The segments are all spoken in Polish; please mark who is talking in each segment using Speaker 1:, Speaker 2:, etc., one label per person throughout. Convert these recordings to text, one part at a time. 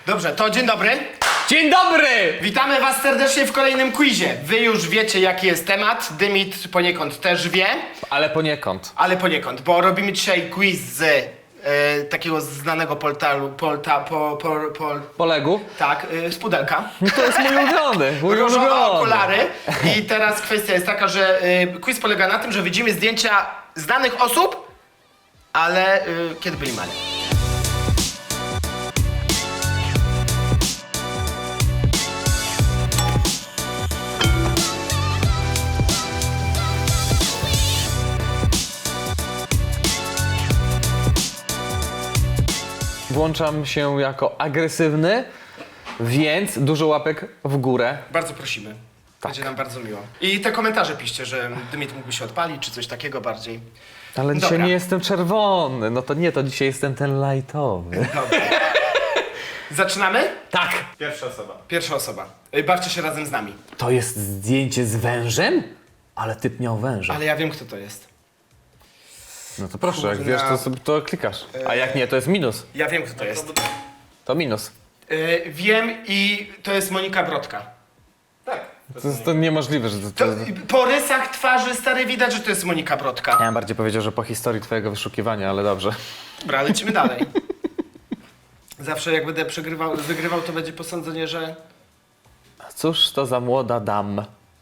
Speaker 1: Dobrze, to dzień dobry.
Speaker 2: Dzień dobry!
Speaker 1: Witamy was serdecznie w kolejnym quizie. Wy już wiecie, jaki jest temat. Dymit poniekąd też wie,
Speaker 2: Ale poniekąd.
Speaker 1: ale poniekąd, bo robimy dzisiaj quiz z takiego znanego portalu,
Speaker 2: Polegu?
Speaker 1: tak, z pudelka.
Speaker 2: No to jest mój ulubiony,
Speaker 1: Różowe okulary. I teraz kwestia jest taka, że quiz polega na tym, że widzimy zdjęcia znanych osób, ale kiedy byli mali.
Speaker 2: Włączam się jako agresywny, więc dużo łapek w górę.
Speaker 1: Bardzo prosimy. Będzie nam bardzo miło. I te komentarze piszcie, że Dymit mógłby się odpalić, czy coś takiego bardziej.
Speaker 2: Ale dzisiaj
Speaker 1: Dobra.
Speaker 2: nie jestem czerwony. No to nie, to dzisiaj jestem ten lightowy.
Speaker 1: Dobra. Zaczynamy?
Speaker 2: Tak!
Speaker 3: Pierwsza osoba.
Speaker 1: Pierwsza osoba. Bawcie się razem z nami.
Speaker 2: To jest zdjęcie z wężem? Ale typ miał węża.
Speaker 1: Ale ja wiem, kto to jest.
Speaker 2: No to proszę, jak
Speaker 1: Kurna.
Speaker 2: wiesz, to sobie to klikasz. A jak nie, to jest minus.
Speaker 1: Ja wiem, kto to jest.
Speaker 2: To minus.
Speaker 1: Wiem i to jest Monika Brodka.
Speaker 3: Tak.
Speaker 2: To jest to niemożliwe, że
Speaker 1: To, po rysach twarzy stary widać, że to jest Monika Brodka.
Speaker 2: Ja bym bardziej powiedział, że po historii twojego wyszukiwania, ale dobrze.
Speaker 1: Dobra, lecimy dalej. Zawsze jak będę wygrywał, to będzie posądzenie, że...
Speaker 2: Cóż to za młoda dam?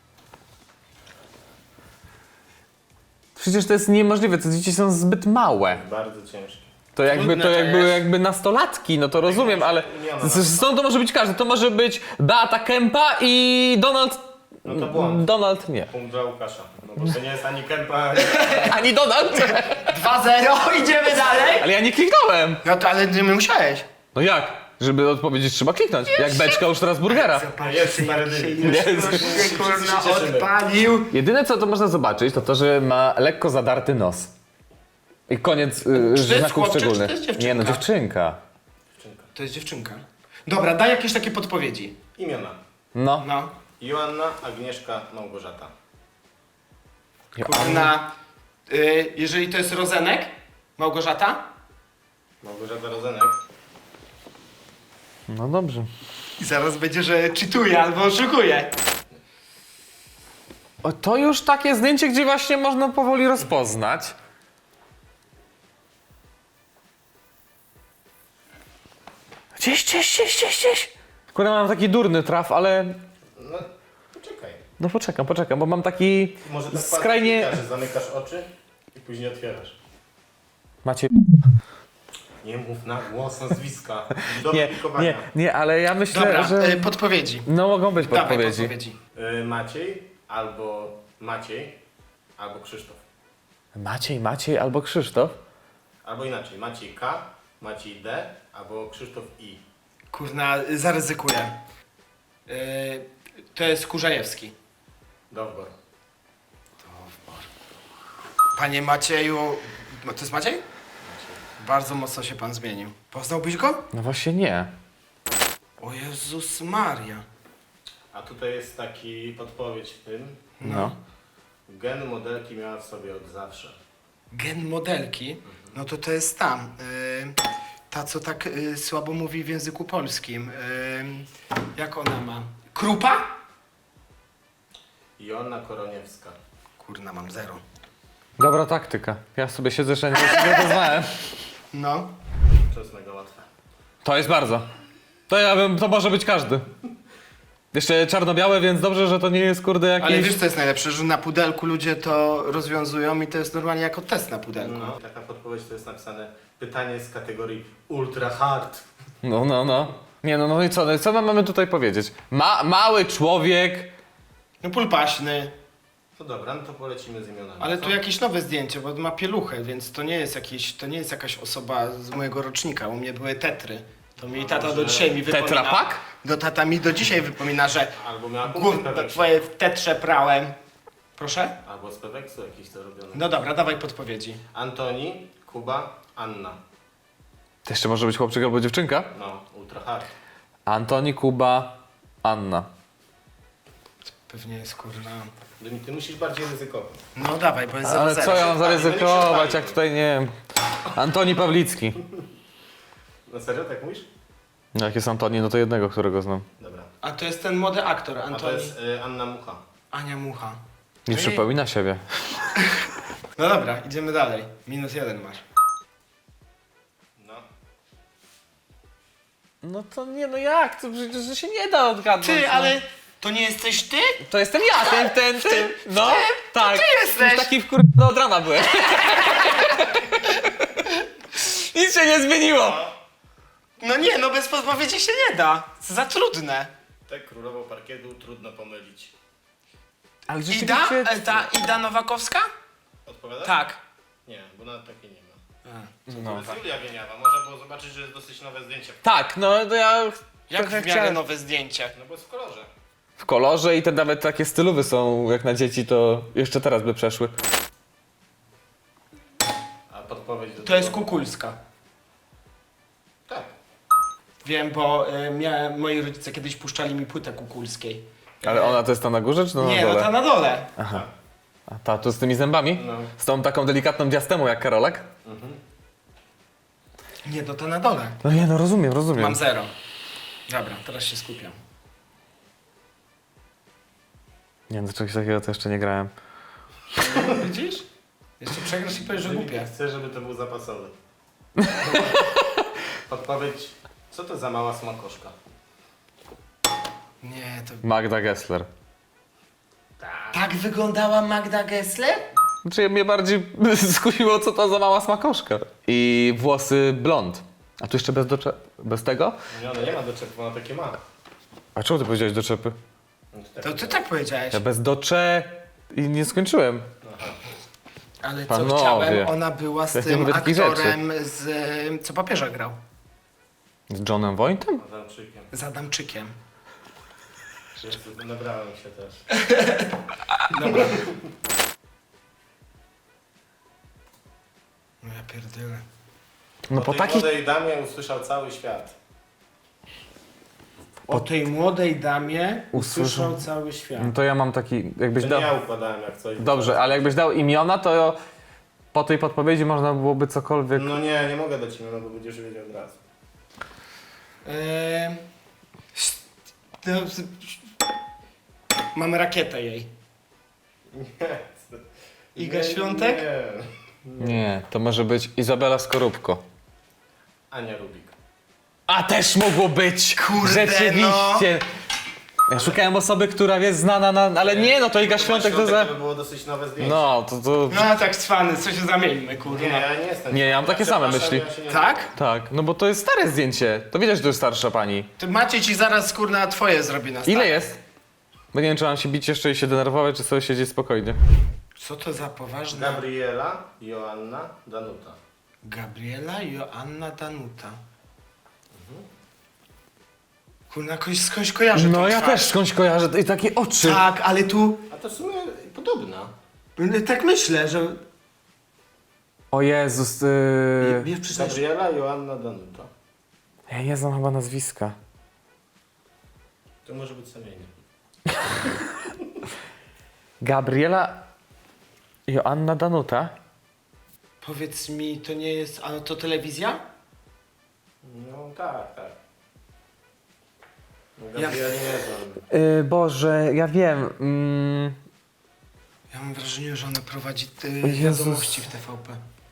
Speaker 2: Przecież to jest niemożliwe, te dzieci są zbyt małe.
Speaker 3: Bardzo ciężkie.
Speaker 2: To jakby,
Speaker 1: Trudne
Speaker 2: to
Speaker 1: to
Speaker 2: jakby,
Speaker 1: jest.
Speaker 2: jakby nastolatki, no to rozumiem, ale stąd to może być każdy. To może być Beata Kępa i Donald...
Speaker 3: No to błąd.
Speaker 2: Donald nie.
Speaker 3: Punkt dla Łukasza. No bo to nie jest ani Kępa,
Speaker 2: Ani Donald!
Speaker 1: 2-0, idziemy dalej.
Speaker 2: Ale ja nie kliknąłem!
Speaker 1: No to ale nie musiałeś.
Speaker 2: No jak? Żeby odpowiedzieć trzeba kliknąć. Jak beczka u Strasburgera.
Speaker 3: jest stary Dymit.
Speaker 2: Jest.
Speaker 1: Się kurna
Speaker 3: cieszymy.
Speaker 1: odpalił.
Speaker 2: Jedyne co to można zobaczyć, to to, że ma lekko zadarty nos. I koniec
Speaker 1: jest
Speaker 2: znaków
Speaker 1: chłopczyk, czy
Speaker 2: szczególnych.
Speaker 1: to jest dziewczynka?
Speaker 2: Nie no, dziewczynka.
Speaker 1: To jest dziewczynka. Dobra, daj jakieś takie podpowiedzi.
Speaker 3: Imiona.
Speaker 2: No.
Speaker 1: No.
Speaker 3: Joanna, Agnieszka, Małgorzata.
Speaker 1: Kurna, jeżeli to jest Rozenek, Małgorzata?
Speaker 3: Małgorzata Rozenek.
Speaker 2: No dobrze.
Speaker 1: I zaraz będzie, że czytuje albo oszukuje.
Speaker 2: O, to już takie zdjęcie, gdzie właśnie można powoli rozpoznać. Gdzieś. Kurde, mam taki durny traf, ale...
Speaker 3: No, poczekaj.
Speaker 2: No poczekam, bo mam taki
Speaker 3: Może tak
Speaker 2: skrajnie...
Speaker 3: patrz, że zamykasz oczy i później otwierasz.
Speaker 2: Macie...
Speaker 3: Nie mów na głos nazwiska. Do publikowania.
Speaker 2: Nie, ale ja myślę,
Speaker 1: Dobra,
Speaker 2: że...
Speaker 1: podpowiedzi.
Speaker 2: No mogą być
Speaker 1: Dawaj
Speaker 2: podpowiedzi.
Speaker 1: podpowiedzi.
Speaker 3: Maciej, albo Krzysztof.
Speaker 2: Maciej albo Krzysztof?
Speaker 3: Albo inaczej, Maciej K, Maciej D, albo Krzysztof I.
Speaker 1: Kurna, zaryzykuję. To jest Kurzajewski.
Speaker 3: Dowbor.
Speaker 1: Panie Macieju... To jest Maciej? Bardzo mocno się pan zmienił. Poznałbyś go?
Speaker 2: No właśnie nie.
Speaker 1: O Jezus Maria.
Speaker 3: A tutaj jest taki podpowiedź w tym.
Speaker 2: No.
Speaker 3: Gen modelki miała w sobie od zawsze.
Speaker 1: Gen modelki? No to jest tam. Ta, co tak słabo mówi w języku polskim. Jak ona ma? Krupa?
Speaker 3: Joanna Koroniewska.
Speaker 1: Kurna, mam 0.
Speaker 2: Dobra taktyka. Ja sobie siedzę, że nie to znałem.
Speaker 1: No.
Speaker 3: To jest mega łatwe.
Speaker 2: To jest bardzo. To może być każdy. Jeszcze czarno-białe, więc dobrze, że to nie jest kurde jakiś...
Speaker 1: Ale wiesz co jest najlepsze, że na pudelku ludzie to rozwiązują i to jest normalnie jako test na pudelku.
Speaker 3: No. Taka podpowiedź to jest napisane pytanie z kategorii ultra hard.
Speaker 2: No. Nie no i co? Co my mamy tutaj powiedzieć? Mały człowiek...
Speaker 1: No pulpaśny.
Speaker 3: No dobra, no to polecimy z imionami.
Speaker 1: Ale
Speaker 3: co?
Speaker 1: tu jakieś nowe zdjęcie, bo ma pieluchę, więc to nie jest jakaś osoba z mojego rocznika. U mnie były tetry. To mi tata do dzisiaj mi wypomina.
Speaker 2: Tetra Pak?
Speaker 1: Tata mi do dzisiaj wypomina, że
Speaker 3: Albo miała punkty
Speaker 1: gówno
Speaker 3: Peweksu.
Speaker 1: twoje w tetrze prałem. Proszę?
Speaker 3: Albo z Peweksu jakiś to robione.
Speaker 1: No dobra, dawaj podpowiedzi.
Speaker 3: Antoni, Kuba, Anna.
Speaker 2: To jeszcze może być chłopczyk albo dziewczynka?
Speaker 3: No, ultra hard.
Speaker 2: Antoni, Kuba, Anna.
Speaker 1: Pewnie jest kurna.
Speaker 3: Ty musisz bardziej ryzykować.
Speaker 1: No dawaj, bo jest 0-0.
Speaker 2: Ale co ja mam
Speaker 3: Będę się
Speaker 2: zaryzykować,
Speaker 3: chwalił.
Speaker 2: jak tutaj nie wiem... Antoni Pawlicki.
Speaker 3: Na serio, tak mówisz?
Speaker 2: No jak jest Antoni, no to jednego, którego znam.
Speaker 3: Dobra.
Speaker 1: A to jest ten młody aktor,
Speaker 3: A to
Speaker 1: Antoni.
Speaker 3: jest Anna Mucha.
Speaker 1: Ania Mucha.
Speaker 2: Nie
Speaker 1: No i-
Speaker 2: przypomina siebie.
Speaker 1: No dobra, idziemy dalej. -1 masz.
Speaker 3: No.
Speaker 2: No to nie, no jak? To przecież to się nie da odgadnąć.
Speaker 1: Ty,
Speaker 2: no.
Speaker 1: ale to nie jesteś ty?
Speaker 2: To jestem ja, ten. No, tak.
Speaker 1: ty jesteś.
Speaker 2: Już taki od rana byłem. Nic się nie zmieniło.
Speaker 1: No nie, no bez podpowiedzi się nie da. Za trudne.
Speaker 3: Tę królową parkietu trudno pomylić.
Speaker 2: Ale
Speaker 1: Ida? Ta Ida Nowakowska?
Speaker 3: Odpowiadasz?
Speaker 1: Tak.
Speaker 3: Nie, bo nawet takiej nie ma.
Speaker 2: No.
Speaker 3: To jest Julia Wieniawa. Można było zobaczyć, że jest dosyć nowe zdjęcie.
Speaker 2: Tak, no to ja
Speaker 1: Jak
Speaker 2: trochę
Speaker 1: w miarę nowe zdjęcie?
Speaker 3: No bo jest w kolorze.
Speaker 2: w kolorze i te nawet takie stylowe są jak na dzieci, to jeszcze teraz by przeszły.
Speaker 3: A podpowiedź do
Speaker 1: To jest
Speaker 3: tego-
Speaker 1: Kukulska.
Speaker 3: Tak.
Speaker 1: Wiem, bo moi rodzice kiedyś puszczali mi płytę Kukulskiej.
Speaker 2: Ale ona to jest ta na górze, czy to
Speaker 1: Nie,
Speaker 2: na
Speaker 1: no
Speaker 2: dole?
Speaker 1: ta na dole.
Speaker 2: Aha. A ta tu z tymi zębami?
Speaker 3: No.
Speaker 2: Z tą taką delikatną diastemą jak Karolek?
Speaker 1: Nie, no ta na dole.
Speaker 2: No nie, no rozumiem.
Speaker 1: Mam 0. Dobra, teraz się skupiam.
Speaker 2: Nie, do czegoś takiego to jeszcze nie grałem.
Speaker 1: Widzisz? Jeszcze przegrasz i powiesz, że głupie.
Speaker 3: Chcę, żeby to był zapasowy. Podpowiedź. Co to za mała smakoszka?
Speaker 1: Nie, to...
Speaker 2: Magda Gessler.
Speaker 1: Tak wyglądała Magda Gessler?
Speaker 2: Znaczy mnie bardziej skusiło, co to za mała smakoszka. I włosy blond. A tu jeszcze bez tego?
Speaker 3: Nie, ona nie ma doczepów, ona takie ma.
Speaker 2: A czemu ty powiedziałeś doczepy?
Speaker 3: No
Speaker 1: To ty tak powiedziałeś.
Speaker 2: Ja bez docze i nie skończyłem.
Speaker 1: Ale co
Speaker 2: Panowie.
Speaker 1: chciałem, ona była z
Speaker 2: Ja nie
Speaker 1: tym
Speaker 2: mówię takich
Speaker 1: aktorem, co papieża grał.
Speaker 2: Z Johnem Voigtem?
Speaker 3: Adamczykiem.
Speaker 1: Z Adamczykiem.
Speaker 3: Nabrałem się też.
Speaker 1: Dobra. No ja pierdolę.
Speaker 2: No
Speaker 3: O
Speaker 2: po
Speaker 3: tej
Speaker 2: takich...
Speaker 3: młodej damie usłyszał cały świat.
Speaker 1: O tej młodej damie usłyszał
Speaker 2: Usłyszał.
Speaker 1: cały świat.
Speaker 2: No to ja mam taki... Jakbyś
Speaker 3: To
Speaker 2: dał...
Speaker 3: nie ja układałem jak coś.
Speaker 2: Dobrze, ale jakbyś dał imiona, to po tej podpowiedzi można byłoby cokolwiek...
Speaker 3: No nie mogę dać imienia, bo będziesz wiedział od razu.
Speaker 1: No, Mamy rakietę jej.
Speaker 3: Nie.
Speaker 1: Iga Świątek?
Speaker 3: Nie.
Speaker 2: Nie, to może być Izabela Skorupko.
Speaker 3: Ania Rubik.
Speaker 2: A też mogło być!
Speaker 1: Kurde,
Speaker 2: Rzeczywiście! Ja szukałem osoby, która jest znana, ale nie, no to Iga Świątek to za...
Speaker 3: To by było dosyć nowe zdjęcie.
Speaker 2: No, to...
Speaker 1: No tak cwany, co się zamieńmy,
Speaker 3: Nie,
Speaker 1: kurwa.
Speaker 3: ja nie jestem.
Speaker 2: Nie, ja mam takie same
Speaker 3: Przepraszam,
Speaker 2: myśli.
Speaker 3: ja się nie-
Speaker 1: Tak?
Speaker 2: Tak, no bo to jest stare zdjęcie. To widać, że to jest starsza pani.
Speaker 1: To Maciej ci zaraz kurna twoje zrobi na start.
Speaker 2: Ile jest? Bo nie wiem, czy mam się bić jeszcze i się denerwować, czy sobie siedzieć spokojnie.
Speaker 1: Co to za poważna...
Speaker 3: Gabriela, Joanna, Danuta.
Speaker 1: Gabriela, Joanna, Danuta. Kurna, skądś kojarzę tą
Speaker 2: No ja
Speaker 1: twarz.
Speaker 2: też skądś kojarzę i takie oczy.
Speaker 1: Tak, ale tu...
Speaker 3: A to w sumie podobna.
Speaker 1: Tak myślę, że...
Speaker 2: O Jezus,
Speaker 1: Wiesz, przyznać,
Speaker 3: Gabriela, Joanna, Danuta.
Speaker 2: ja nie znam chyba nazwiska.
Speaker 3: To może być samienie.
Speaker 2: Gabriela Joanna Danuta?
Speaker 1: powiedz mi, to nie jest... A to telewizja?
Speaker 3: No tak. No,
Speaker 1: Ja-
Speaker 3: Gabriela nie znam.
Speaker 2: Boże, ja wiem.
Speaker 1: Ja mam wrażenie, że ona prowadzi
Speaker 2: Jezus.
Speaker 1: wiadomości w TVP.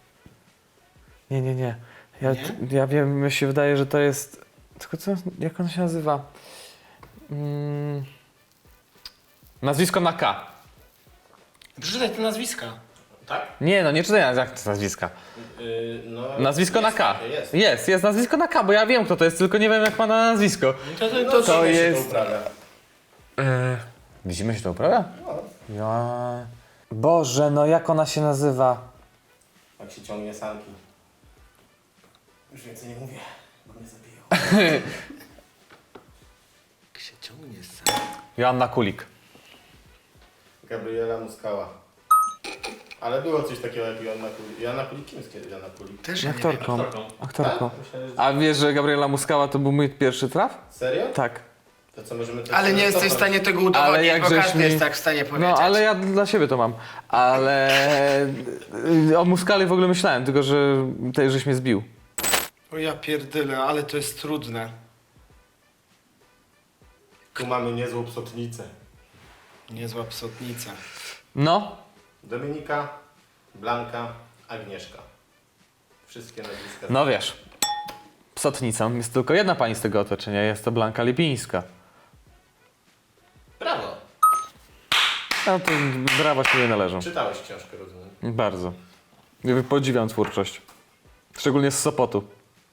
Speaker 2: Nie. Ja,
Speaker 1: Nie?
Speaker 2: ja wiem, mi się wydaje, że to jest... Tylko co, jak ona się nazywa? Nazwisko na K.
Speaker 1: Przeczytaj te nazwiska.
Speaker 3: Tak?
Speaker 2: Nie, no nie czytaj jak to nazwiska.
Speaker 3: No,
Speaker 2: Nazwisko
Speaker 3: jest,
Speaker 2: na K.
Speaker 3: Jest.
Speaker 2: Jest nazwisko na K, bo ja wiem kto to jest, tylko nie wiem jak ma na nazwisko.
Speaker 3: To
Speaker 2: jest-
Speaker 3: To uprawia.
Speaker 2: Widzimy się to uprawia?
Speaker 3: No,
Speaker 2: Ja... Boże, no jak ona się nazywa?
Speaker 3: jak się ciągnie sanki. Już więcej nie mówię, bo mnie zabiją.
Speaker 1: Jak się ciągnie sam.
Speaker 2: Joanna Kulik.
Speaker 3: Gabriela Muskała. Ale było coś takiego jak Joanna Kulik. Joanna Kulik? Kim jest Joanna Kulik?
Speaker 1: Też ja nie wiem.
Speaker 2: Aktorką. Aktorką.
Speaker 3: Tak? Myślałem, że...
Speaker 2: A wiesz, że Gabriela Muskała to był mój pierwszy traf?
Speaker 3: Serio?
Speaker 2: Tak.
Speaker 3: To co możemy... tak
Speaker 1: Ale nie jesteś w
Speaker 3: cofnąć?
Speaker 1: stanie tego
Speaker 2: Ale
Speaker 1: udowodnić,
Speaker 2: jak
Speaker 1: bo
Speaker 2: żeś
Speaker 1: każdy
Speaker 2: mi-
Speaker 1: jest tak w stanie powiedzieć.
Speaker 2: No, ale ja dla siebie to mam. Ale o Muskali w ogóle myślałem, tylko że tutaj żeś mnie zbił.
Speaker 1: O ja pierdolę, ale to jest trudne.
Speaker 3: Tu mamy niezłą psotnicę.
Speaker 1: Niezła psotnica.
Speaker 2: No,
Speaker 3: Dominika, Blanka, Agnieszka. Wszystkie nazwiska.
Speaker 2: no wiesz. Psotnicą jest tylko jedna pani z tego otoczenia, jest to Blanka Lipińska.
Speaker 3: Brawo.
Speaker 2: No to brawa się nie należą.
Speaker 3: Czytałeś książkę, rozumiem.
Speaker 2: Bardzo. Ja podziwiam twórczość. Szczególnie z Sopotu.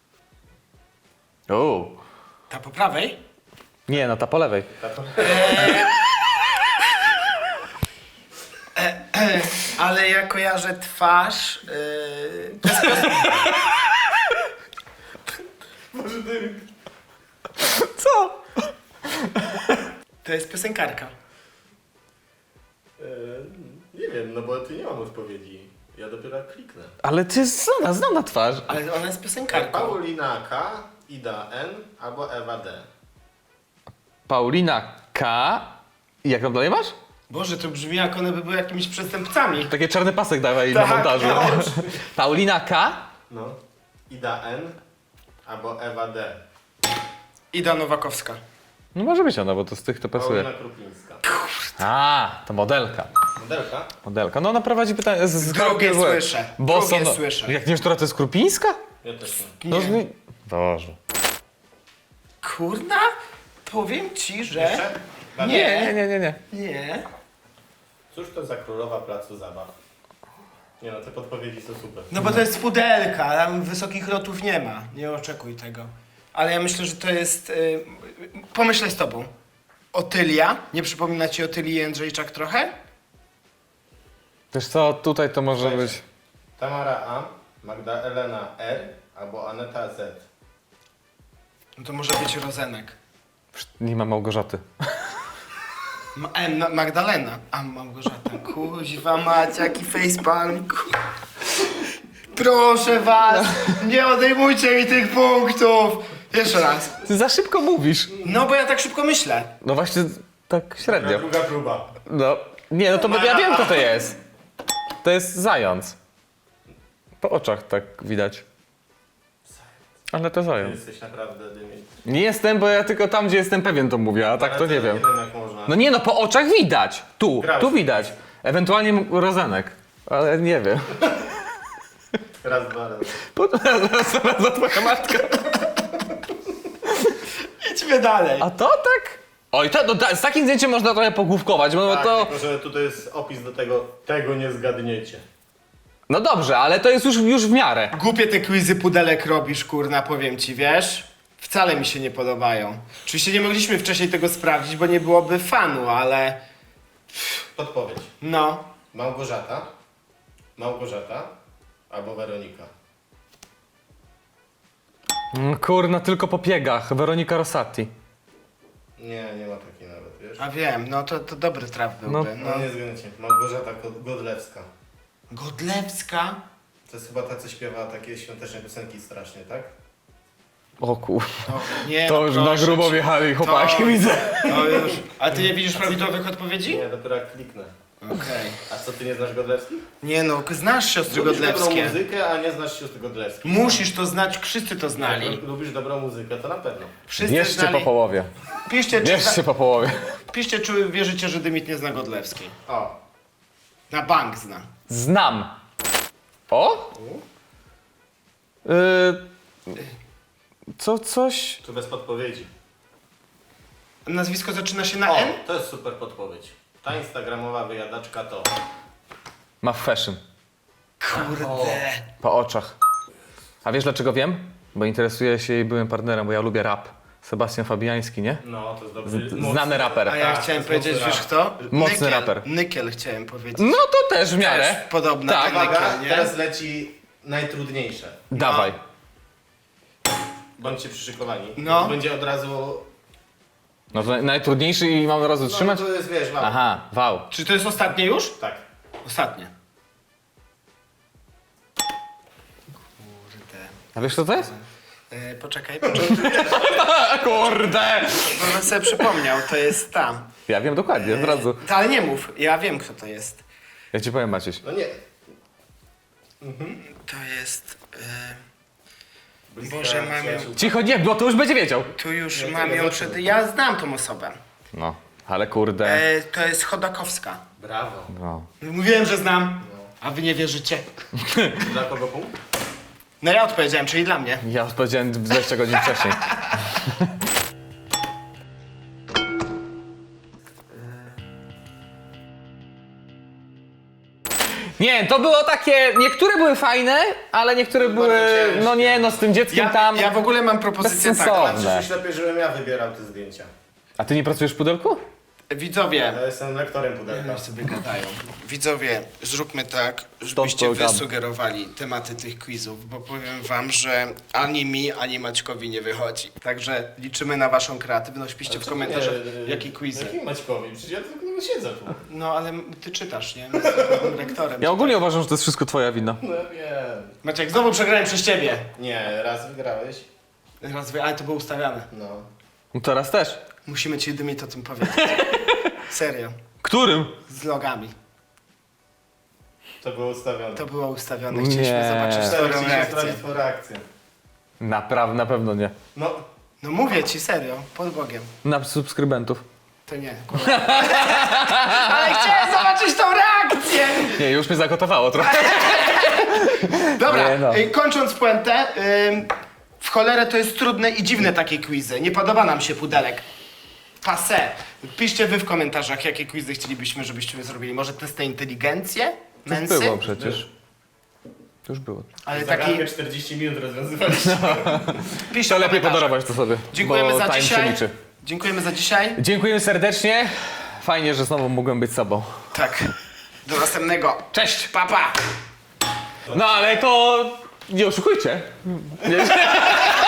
Speaker 2: O,
Speaker 1: Ta po prawej?
Speaker 2: nie, no ta po lewej.
Speaker 1: Ale ja kojarzę twarz. To jest
Speaker 3: Może ty...
Speaker 2: Co?
Speaker 1: To jest piosenkarka.
Speaker 3: Nie wiem, no bo ty nie mam odpowiedzi. Ja dopiero kliknę.
Speaker 2: Ale ty znana twarz.
Speaker 1: Ale ona jest piosenkarką.
Speaker 3: Paulina K, Ida N albo Ewa D.
Speaker 2: Paulina K. I jak tam dalej masz?
Speaker 1: Boże, to brzmi jak one by były jakimiś przestępcami.
Speaker 2: Takie czarny pasek dawaj
Speaker 1: Tak,
Speaker 2: na montażu.
Speaker 1: no.
Speaker 2: Paulina K.
Speaker 3: No. Ida N albo Ewa D.
Speaker 1: Ida Nowakowska.
Speaker 2: No może być ona, bo to z tych to pasuje.
Speaker 3: Paulina Krupińska.
Speaker 2: A, to modelka.
Speaker 3: Modelka?
Speaker 2: Modelka. No ona prowadzi pytanie z
Speaker 1: Drugie
Speaker 2: złe.
Speaker 1: słyszę.
Speaker 2: Boso,
Speaker 1: Drugie
Speaker 2: no.
Speaker 1: słyszę.
Speaker 2: Jak nie wiesz, która to jest Krupińska?
Speaker 3: Ja też nie.
Speaker 2: No,
Speaker 1: Nie.
Speaker 2: Boże.
Speaker 1: Kurna, powiem ci, że...
Speaker 3: Jeszcze?
Speaker 1: Nie.
Speaker 2: Nie.
Speaker 1: Nie.
Speaker 3: Cóż to za królowa placu zabaw? Nie no, te podpowiedzi są super.
Speaker 1: No bo to jest pudelka, tam wysokich lotów nie ma. Nie oczekuj tego. Ale ja myślę, że to jest... pomyślę z tobą. Otylia? Nie przypomina ci Otylii Jędrzejczak trochę?
Speaker 2: Wiesz co, tutaj to może
Speaker 3: Słuchajcie.
Speaker 2: być...
Speaker 3: Tamara A, Magdalena R albo Aneta Z.
Speaker 1: No to może być Rozenek.
Speaker 2: Nie ma Małgorzaty.
Speaker 1: Magdalena. A, Małgorzata. Kuźwa mać, jaki facepalm. Proszę was, nie odejmujcie mi tych punktów. Jeszcze raz.
Speaker 2: Ty za szybko mówisz.
Speaker 1: No bo ja tak szybko myślę.
Speaker 2: No właśnie, tak średnio.
Speaker 3: Druga próba.
Speaker 2: No, nie, no to ja wiem, kto to jest. To jest zając. Po oczach tak widać. Ale to
Speaker 3: Ty
Speaker 2: zając.
Speaker 3: jesteś naprawdę dymi.
Speaker 2: Nie jestem, bo ja tylko tam, gdzie jestem pewien, to mówię, a tak to nie wiem.
Speaker 3: Nie wiem jak można.
Speaker 2: No nie no, po oczach widać. Tu
Speaker 3: Grałeś.
Speaker 2: widać. Ewentualnie Rozenek. Ale nie wiem.
Speaker 3: Raz, dwa razy.
Speaker 2: Zaraz za twoja matka.
Speaker 1: Idźmy dalej.
Speaker 2: A to tak? Oj, z takim zdjęciem można trochę pogłówkować, bo
Speaker 3: Tak,
Speaker 2: to...
Speaker 3: tylko że tutaj jest opis do tego nie zgadniecie.
Speaker 2: No dobrze, ale to jest już w miarę.
Speaker 1: Głupie te quizy pudelek robisz, kurna, powiem ci, wiesz? Wcale mi się nie podobają. Oczywiście nie mogliśmy wcześniej tego sprawdzić, bo nie byłoby fanu, ale...
Speaker 3: Podpowiedź.
Speaker 1: No.
Speaker 3: Małgorzata albo Weronika.
Speaker 2: Kurna, tylko po piegach. Weronika Rosati.
Speaker 3: Nie ma takiej nawet, wiesz?
Speaker 1: A wiem, no to dobry traf byłby.
Speaker 3: No nie zgadniecie. Małgorzata Godlewska.
Speaker 1: Godlewska?
Speaker 3: To jest chyba ta, co śpiewa takie świąteczne piosenki strasznie, tak?
Speaker 2: O kur...
Speaker 1: To, nie,
Speaker 2: To
Speaker 1: no
Speaker 2: już na
Speaker 1: proszę
Speaker 2: grubo
Speaker 1: cię.
Speaker 2: wjechali chłopaki,
Speaker 1: To-
Speaker 2: widzę.
Speaker 1: To już. A ty nie widzisz prawidłowych odpowiedzi?
Speaker 3: Nie, dopiero jak kliknę.
Speaker 1: Okej.
Speaker 3: A co, ty nie znasz Godlewskich?
Speaker 1: Nie no, znasz siostry
Speaker 3: Lubisz dobrą
Speaker 1: Godlewskie.
Speaker 3: muzykę, a nie znasz sióstr Godlewskich.
Speaker 1: Musisz to znać, wszyscy to znali.
Speaker 3: Jak lubisz dobrą muzykę, to na pewno.
Speaker 1: Wszyscy
Speaker 2: Bierzcie
Speaker 1: znali.
Speaker 2: po połowie.
Speaker 1: Piszcie, czy,
Speaker 2: Bierzcie po połowie.
Speaker 1: piszcie, czy wierzycie, że Dymit nie zna Godlewskiej.
Speaker 3: O,
Speaker 1: Na bank zna.
Speaker 2: Znam. O? Coś...
Speaker 3: tu bez podpowiedzi.
Speaker 1: Nazwisko zaczyna się na
Speaker 3: O,
Speaker 1: N?
Speaker 3: to jest super podpowiedź. Ta instagramowa wyjadaczka to...
Speaker 2: Ma fashion.
Speaker 1: Kurde.
Speaker 2: Po oczach. A wiesz dlaczego wiem? Bo interesuję się jej byłym partnerem, bo ja lubię rap. Sebastian Fabiański, nie?
Speaker 3: No, to jest dobry...
Speaker 2: Znany raper.
Speaker 1: A ja
Speaker 3: Tak,
Speaker 1: chciałem
Speaker 3: to jest
Speaker 1: powiedzieć,
Speaker 3: mocny
Speaker 1: wiesz kto?
Speaker 2: Mocny
Speaker 1: Nykiel.
Speaker 2: raper.
Speaker 1: Nykiel chciałem powiedzieć.
Speaker 2: No to też w miarę.
Speaker 1: Też podobna
Speaker 2: Tak.
Speaker 1: do
Speaker 3: Uwaga,
Speaker 1: Nykiel, nie?
Speaker 3: teraz leci najtrudniejsze.
Speaker 2: Dawaj.
Speaker 3: Bądźcie przyszykowani.
Speaker 1: No.
Speaker 3: To będzie od razu...
Speaker 2: No to najtrudniejszy i mam od razu trzymać?
Speaker 3: No, to jest, wiesz, mało.
Speaker 2: Aha, wał.
Speaker 1: Czy to jest ostatnie już?
Speaker 3: Tak.
Speaker 1: Ostatnie. Kurde.
Speaker 2: A wiesz co to jest?
Speaker 1: Poczekaj.
Speaker 2: A kurde!
Speaker 1: Bo sobie przypomniał, to jest tam.
Speaker 2: Ja wiem dokładnie, od razu.
Speaker 1: Ale nie mów, ja wiem kto to jest.
Speaker 2: Ja ci powiem, Maciuś.
Speaker 3: No nie.
Speaker 1: To jest...
Speaker 3: Bliska
Speaker 1: Boże, mam ją.
Speaker 3: przyjaciółka.
Speaker 2: Cicho, nie, bo to już będzie wiedział.
Speaker 1: Tu już
Speaker 3: Nie,
Speaker 1: mam
Speaker 3: to
Speaker 1: ją
Speaker 3: nie
Speaker 1: przed...
Speaker 3: zacznę.
Speaker 1: Ja znam tą osobę.
Speaker 2: No, ale kurde.
Speaker 1: To jest Chodakowska.
Speaker 3: Brawo.
Speaker 2: No.
Speaker 1: Mówiłem, że znam, a wy nie wierzycie.
Speaker 3: Dla kogo punkt?
Speaker 1: No ja odpowiedziałem, czyli dla mnie.
Speaker 2: Ja odpowiedziałem 20 godzin wcześniej. Nie, to było takie. Niektóre były fajne, ale niektóre były.
Speaker 3: ciężkie.
Speaker 2: No nie, no z tym dzieckiem tam.
Speaker 1: Ja w ogóle mam propozycję
Speaker 2: Bezsensowne.
Speaker 1: taką.
Speaker 3: Przyszłeś lepiej, żebym ja wybierał te zdjęcia.
Speaker 2: A ty nie pracujesz w pudełku?
Speaker 1: Widzowie,
Speaker 3: Ja jestem lektorem pudełka.
Speaker 1: sobie gadają. Widzowie, zróbmy tak,
Speaker 2: to
Speaker 1: żebyście wy
Speaker 2: gada.
Speaker 1: sugerowali tematy tych quizów, bo powiem wam, że ani mi, ani Maćkowi nie wychodzi. Także liczymy na waszą kreatywność. Piszcie w komentarzach, jakie quizy.
Speaker 3: Jakim Maćkowi? Przecież ja tylko siedzę tu.
Speaker 1: No ale ty czytasz, nie? Jestem lektorem.
Speaker 2: Ja ogólnie uważam, że to jest wszystko twoja wina.
Speaker 3: No wiem.
Speaker 1: Maciek, znowu przegrałem przez ciebie.
Speaker 3: Nie, raz wygrałeś.
Speaker 1: Ale to było ustawiane.
Speaker 3: No.
Speaker 2: No teraz też.
Speaker 1: Musimy ci Dymit o tym powiedzieć. Serio.
Speaker 2: Którym?
Speaker 1: Z logami.
Speaker 3: To było ustawione.
Speaker 1: To było ustawione.
Speaker 2: Nie.
Speaker 1: Chcieliśmy zobaczyć twoją
Speaker 3: Chcieliśmy
Speaker 1: reakcję.
Speaker 3: sprawdzić twoją reakcję.
Speaker 2: Naprawdę, na pewno nie.
Speaker 3: No.
Speaker 1: No mówię ci serio, pod Bogiem.
Speaker 2: Na subskrybentów.
Speaker 1: To nie. Ale chciałem zobaczyć tą reakcję!
Speaker 2: Nie, już mnie zagotowało trochę.
Speaker 1: Dobra,
Speaker 2: Nie no.
Speaker 1: Kończąc puentę, w cholerę to jest trudne i dziwne takie quizy. Nie podoba nam się pudelek. Passé. Piszcie wy w komentarzach, jakie quizy chcielibyśmy, żebyśmy zrobili. Może test na inteligencję?
Speaker 2: To już
Speaker 1: Męsy?
Speaker 2: było przecież. To już było.
Speaker 1: Ale taki...
Speaker 3: Zagadkę 40 minut rozwiązywaliśmy.
Speaker 1: Piszcie
Speaker 2: To
Speaker 1: w
Speaker 2: lepiej
Speaker 1: komentarzach.
Speaker 2: podarować to sobie.
Speaker 1: Dziękujemy
Speaker 2: bo
Speaker 1: za
Speaker 2: time
Speaker 1: dzisiaj.
Speaker 2: się liczy.
Speaker 1: Dziękujemy za dzisiaj.
Speaker 2: Dziękujemy serdecznie. Fajnie, że znowu mogłem być sobą.
Speaker 1: Tak. Do następnego.
Speaker 2: Cześć!
Speaker 1: Pa, pa.
Speaker 2: No ale to nie oszukujcie. Nie.